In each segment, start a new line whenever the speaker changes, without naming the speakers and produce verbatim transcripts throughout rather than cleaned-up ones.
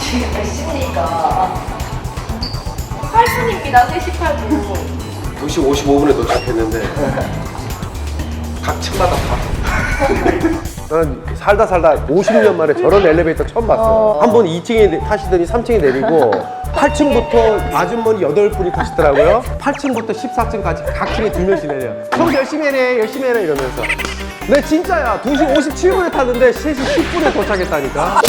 시간 몇 시입니까? 팔 분입니다. 세 시 팔 분.
두 시 오십오 분에 도착했는데 각 층마다 다. 난 살다 살다 오십 년 만에 저런 엘리베이터 처음 봤어.
어.
한 번 이 층에 타시더니 삼 층에 내리고 팔 층부터 아주머니 여덟 분이 타시더라고요. 팔 층부터 십사 층까지 각 층에 두 명씩 내려. 형 열심히 해내 열심히 해내 이러면서. 네 진짜야. 두 시 오십칠 분에 탔는데 세 시 십 분에 도착했다니까.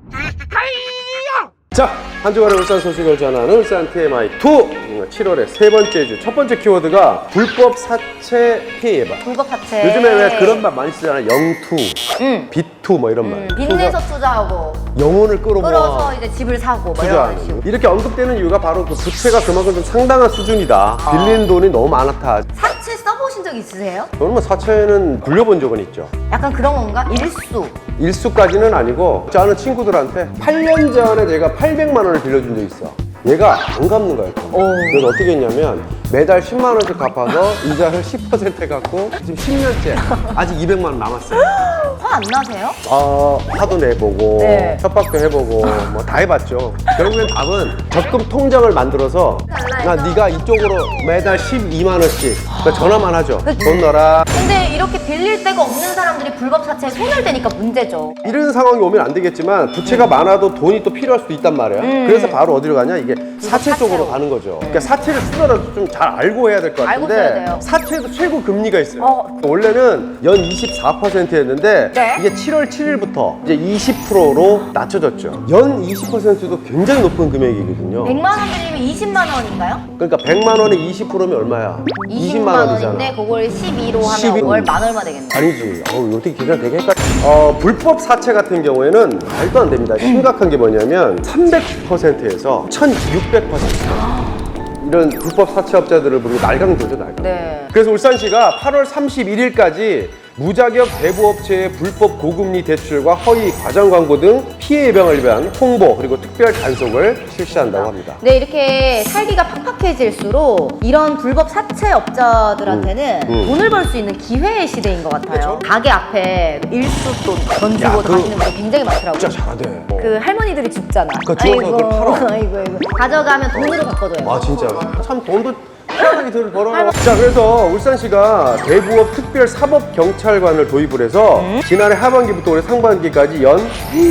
자, 한 주간의 울산 소식을 전하는 울산 티엠아이 이 칠월의 세 번째 주 첫 번째 키워드가 불법 사채 피해 예방.
불법 사채.
요즘에 왜 그런 말 많이 쓰잖아요. 영투,
응.
비투 뭐 이런 말.
음, 빚내서 투자하고
영혼을 끌어모아
끌어서 이제 집을 사고 뭐 이런 식으로.
투자하는. 이렇게 언급되는 이유가 바로 그 부채가 그만큼 좀 상당한 수준이다.
아.
빌린 돈이 너무 많다.
사채 써보신 적 있으세요?
저는 뭐 사채는 굴려본 적은 있죠.
약간 그런 건가? 일수.
일수까지는 아니고 저 아는 친구들한테 팔 년 전에 제가 팔백만 원을 빌려준 적이 있어. 얘가 안 갚는 거야. 그래서 어떻게 했냐면 매달 십만 원씩 갚아서 이자를 십 퍼센트 해갖고 지금 십 년째 아직 이백만 원 남았어요.
화 안 나세요?
어, 화도 내보고
네.
협박도 해보고 뭐 다 해봤죠. 결국엔 답은 적금 통장을 만들어서 야, 네가 이쪽으로 매달 십이만 원씩 그러니까 전화만 하죠. 돈 넣어라.
근데 이렇게 빌릴 데가 없는 사람들이 불법 사채에 손을 대니까 문제죠.
이런 상황이 오면 안 되겠지만 부채가 많아도 돈이 또 필요할 수도 있단 말이야.
음.
그래서 바로 어디로 가냐 이게 사채
사채로.
쪽으로 가는 거죠. 그러니까 사채를 쓰더라도 좀 잘 알고 해야 될 것
알고
같은데
써야 돼요.
사채도 최고 금리가 있어요.
어.
원래는 연 이십사 퍼센트였는데
네.
이게 칠월 칠일부터 이제 이십 퍼센트로 낮춰졌죠. 연 이십 퍼센트도 굉장히 높은 금액이거든요.
백만 원 빌리면 이십만 원인가요?
그러니까 백만 원에 이십 퍼센트면 얼마야?
이십만 원인데 그걸 십이로 하면
십이.
월 만 얼마 되겠네.
아니지. 어우, 어떻게 계산 되게 헷갈려. 어, 불법 사채 같은 경우에는 말도 안 됩니다. 심각한 게 뭐냐면 삼백 퍼센트에서 천육백 퍼센트. 이런 불법 사채업자들을 부르고 날강도죠, 날강.
네.
그래서 울산시가 팔월 삼십일일까지 무자격 대부업체의 불법 고금리 대출과 허위 과장 광고 등 피해 예방을 위한 홍보 그리고 특별 단속을 실시한다고 합니다.
네, 이렇게 살기가 팍팍해질수록 이런 불법 사채업자들한테는
음, 음.
돈을 벌 수 있는 기회의 시대인 것 같아요.
그쵸?
가게 앞에 일수돈 던지고
야, 그-
가시는 분들 굉장히 많더라고요.
진짜 잘하대.
그 할머니들이 죽잖아.
그러니까 주워서 그걸 팔아.
아이고, 아이고. 가져가면 돈으로 바꿔줘요.
아 진짜 참 돈도 편하게 들 벌어요. 자 그래서 울산시가 대부업 특별 사법 경찰관을 도입을 해서 지난해 하반기부터 올해 상반기까지 연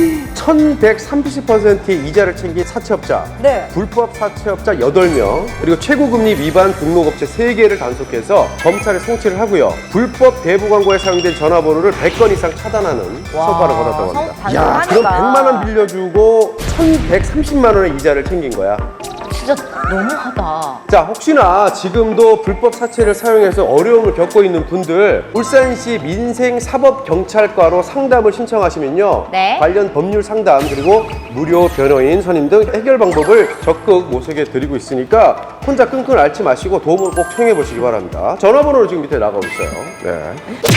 천백삼십 퍼센트의 이자를 챙긴 사채업자,
네.
불법 사채업자 여덟 명, 그리고 최고금리 위반 등록업체 세 개를 단속해서 검찰에 송치를 하고요. 불법 대부 광고에 사용된 전화번호를 백 건 이상 차단하는
와,
처벌을 받았다고
성-
합니다. 야,
단속하니까.
그럼 백만 원 빌려주고 천백삼십만 원의 이자를 챙긴 거야.
진짜 너무하다.
자, 혹시나 지금도 불법 사채를 사용해서 어려움을 겪고 있는 분들 울산시 민생사법경찰과로 상담을 신청하시면요.
네.
관련 법률 상담 그리고 무료 변호인 선임 등 해결 방법을 적극 모색해 드리고 있으니까 혼자 끙끙 앓지 마시고 도움을 꼭 청해 보시기 바랍니다. 전화번호를 지금 밑에 나가고 있어요. 네.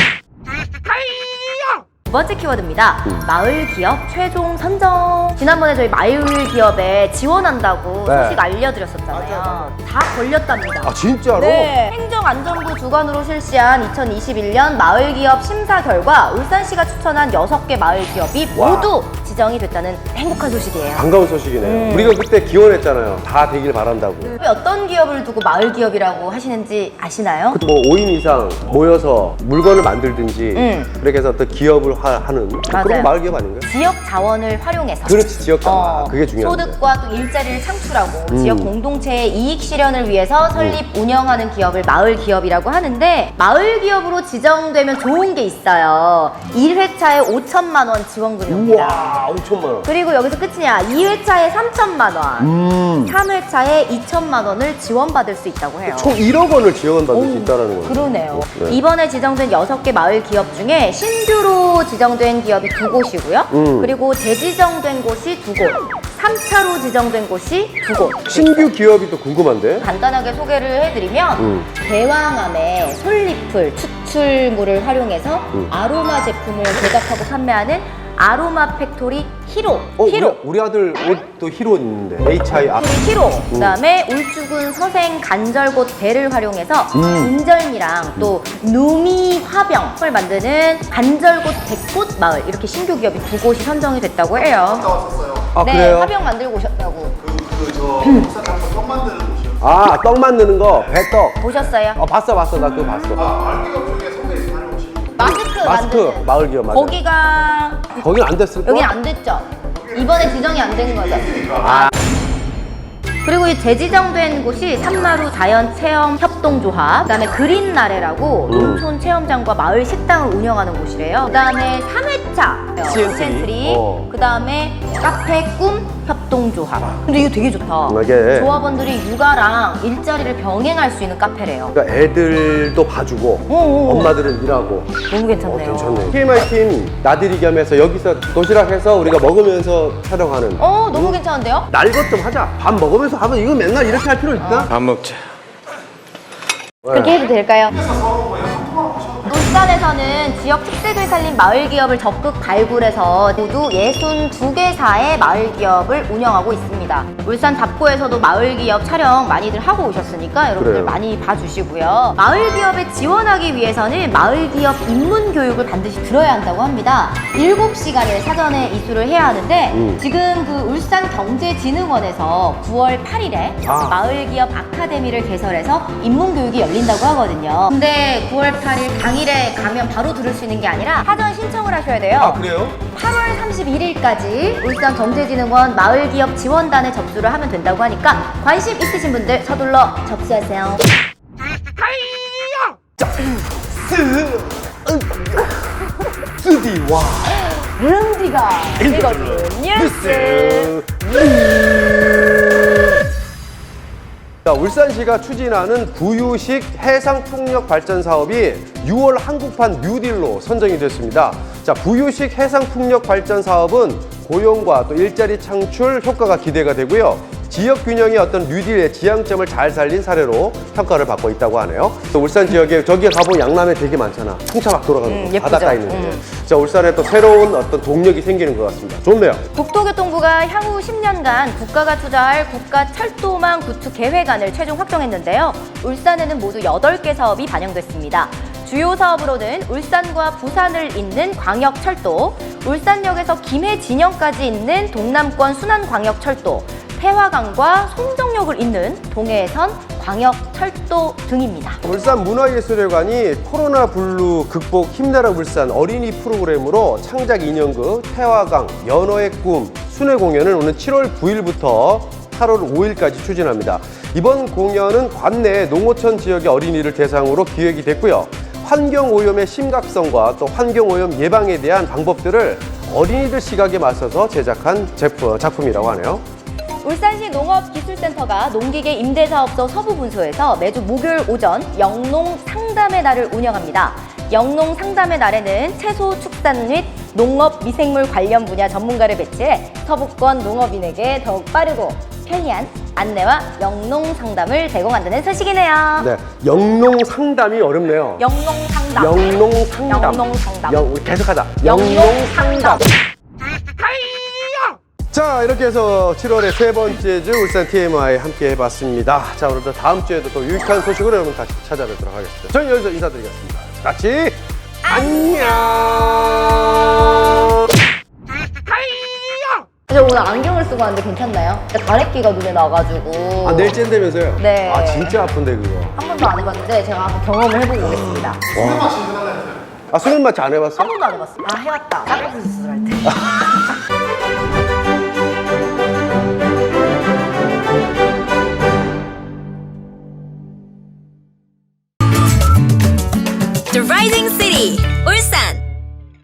두 번째 키워드입니다. 마을 기업 최종 선정. 지난번에 저희 마을 기업에 지원한다고
네.
소식 알려드렸었잖아요. 다 걸렸답니다.
아, 진짜로?
네. 행정안전부 주관으로 실시한 이천이십일 년 마을 기업 심사 결과 울산시가 추천한 여섯 개 마을 기업이
와.
모두 지정이 됐다는 행복한 소식이에요.
반가운 소식이네요.
음.
우리가 그때 기원했잖아요. 다 되길 바란다고.
어떤 기업을 두고 마을 기업이라고 하시는지 아시나요?
뭐 오 인 이상 모여서 물건을 만들든지
음.
그렇게 해서 또 기업을 하, 하는
맞아요.
그런 마을 기업 아닌가요?
지역 자원을 활용해서
그렇지, 지역 자원. 아, 그게 중요한데.
소득과 또 일자리를 창출하고
음.
지역 공동체의 이익 실현을 위해서 설립, 운영하는 기업을 마을 기업이라고 하는데 마을 기업으로 지정되면 좋은 게 있어요. 일 회차에 오천만 원 지원금이 옵니다.
우와, 오천만 원.
그리고 여기서 끝이냐. 이 회차에 삼천만 원,
음.
삼 회차에 이천만 원을 지원받을 수 있다고 해요.
총 일억 원을 지원받을 수 있다는 거예요.
그러네요.
네.
이번에 지정된 여섯 개 마을 기업 중에 신규로 지정된 기업이 두 곳이고요.
음.
그리고 재지정된 곳이 두 곳, 삼 차로 지정된 곳이 두 곳.
신규 기업이 또 궁금한데?
간단하게 소개를 해드리면
음.
대왕암의 솔잎을 추출물을 활용해서
음.
아로마 제품을 제작하고 판매하는 아로마 팩토리 히로.
어,
히로.
우리, 우리 아들 옷도 히로 있는데 에이치 아이 아.
히로. 그다음에 울주군 서생 간절곶 배를 활용해서
음.
진절미랑 또 누미 화병을 만드는 간절곶 백꽃 마을 이렇게 신규 기업이 두 곳이 선정이 됐다고 해요.
아,
네,
그래요?
화병 만들고 오셨다고.
그저 울산 닭발 떡 만드는 곳이요.
아, 떡 만드는 거, 배떡.
보셨어요?
어, 봤어, 봤어. 나 그거 봤어.
아, 알기업 중에 선배님 다녀오신 분.
마스크,
마스크,
만드는.
마을 기업 맞아.
거기가
거긴 안 됐을 거야?
여긴 안 됐죠? 이번에 지정이 안 된 거죠?
아.
그리고 이 재지정된 곳이 산마루 자연체험협동조합, 그다음에 그린나래라고
음.
농촌 체험장과 마을 식당을 운영하는 곳이래요. 그다음에 삼 회차
시엔트리. 어.
그다음에 카페 꿈 협동조합. 근데 이거 되게 좋다.
이게
조합원들이 육아랑 일자리를 병행할 수 있는 카페래요.
그러니까 애들도 봐주고
오오오.
엄마들은 일하고.
너무
어,
괜찮네요.
괜찮네. 티엠아이 팀 나들이 겸해서 여기서 도시락해서 우리가 먹으면서 촬영하는.
어, 너무 괜찮은데요?
날 것 좀 하자. 밥 먹으면서 하면 이거 맨날 이렇게 할 필요 있나?
밥 먹자.
그렇게 해도 될까요? 울산에서는 지역 특색을 살린 마을 기업을 적극 발굴해서 모두 육십이 개사의 마을 기업을 운영하고 있습니다. 울산 답고에서도 마을 기업 촬영 많이들 하고 오셨으니까 여러분들
그래요.
많이 봐주시고요. 마을 기업에 지원하기 위해서는 마을 기업 입문 교육을 반드시 들어야 한다고 합니다. 일곱 시간을 사전에 이수를 해야 하는데
음.
지금 그 울산경제진흥원에서 구월 팔일에
아.
마을 기업 아카데미를 개설해서 입문 교육이 열린다고 하거든요. 근데 구월 팔일 당일에 가면 바로 들을 수 있는 게 아니라 사전 신청을 하셔야 돼요.
아, 그래요?
팔월 삼십일일까지 울산경제진흥원 마을기업 지원단에 접수를 하면 된다고 하니까 관심 있으신 분들 서둘러 접수하세요.
쓰디와
릉디가 읽어준 뉴스.
자, 울산시가 추진하는 부유식 해상풍력 발전 사업이 유월 한국판 뉴딜로 선정이 됐습니다. 자, 부유식 해상풍력 발전 사업은 고용과 또 일자리 창출 효과가 기대가 되고요. 지역 균형의 어떤 뉴딜의 지향점을 잘 살린 사례로 평가를 받고 있다고 하네요. 또 울산 지역에 저기에 가보면 양남에 되게 많잖아. 풍차 막 돌아가는
음,
거,
예쁘죠?
바닷가 있는데.
음.
자, 울산에 또 새로운 어떤 동력이 생기는 것 같습니다. 좋네요.
국토교통부가 향후 십 년간 국가가 투자할 국가철도망 구축 계획안을 최종 확정했는데요. 울산에는 모두 여덟 개 사업이 반영됐습니다. 주요 사업으로는 울산과 부산을 잇는 광역철도, 울산역에서 김해 진영까지 잇는 동남권 순환광역철도, 태화강과 송정역을 잇는 동해선 광역철도 등입니다.
울산 문화예술회관이 코로나 블루 극복 힘내라 울산 어린이 프로그램으로 창작 인형극 태화강 연어의 꿈 순회 공연을 오는 칠월 구일부터 팔월 오일까지 추진합니다. 이번 공연은 관내 농어촌 지역의 어린이를 대상으로 기획이 됐고요. 환경오염의 심각성과 또 환경오염 예방에 대한 방법들을 어린이들 시각에 맞서서 제작한 제품, 작품이라고 하네요.
울산시 농업기술센터가 농기계 임대사업소 서부분소에서 매주 목요일 오전 영농 상담의 날을 운영합니다. 영농 상담의 날에는 채소 축산 및 농업 미생물 관련 분야 전문가를 배치해 서부권 농업인에게 더욱 빠르고 편리한 안내와 영농 상담을 제공한다는 소식이네요.
네, 영농 상담이 어렵네요.
영농 상담.
영농 상담.
영농 상담.
영, 우리 계속하자.
영농 상담.
자, 이렇게 해서 칠월의 세 번째 주 울산 티엠아이 함께 해봤습니다. 자, 오늘도 다음 주에도 또 유익한 소식으로 여러분 다시 찾아뵙도록 하겠습니다. 저는 여기서 인사드리겠습니다. 같이 안녕.
저 오늘 안경을 쓰고 왔는데 괜찮나요? 가래끼가 눈에 나가지고
아, 내일 쨘다면서요?
네.
아, 진짜 아픈데 그거.
한 번도 안 해봤는데 제가 한번 경험을 해보고 오겠습니다.
아, 수면 마취 안 해봤어?
한 번도 안 해봤어요. 아 해봤다. 쌍꺼풀 수술할 때.
The Rising City, 울산.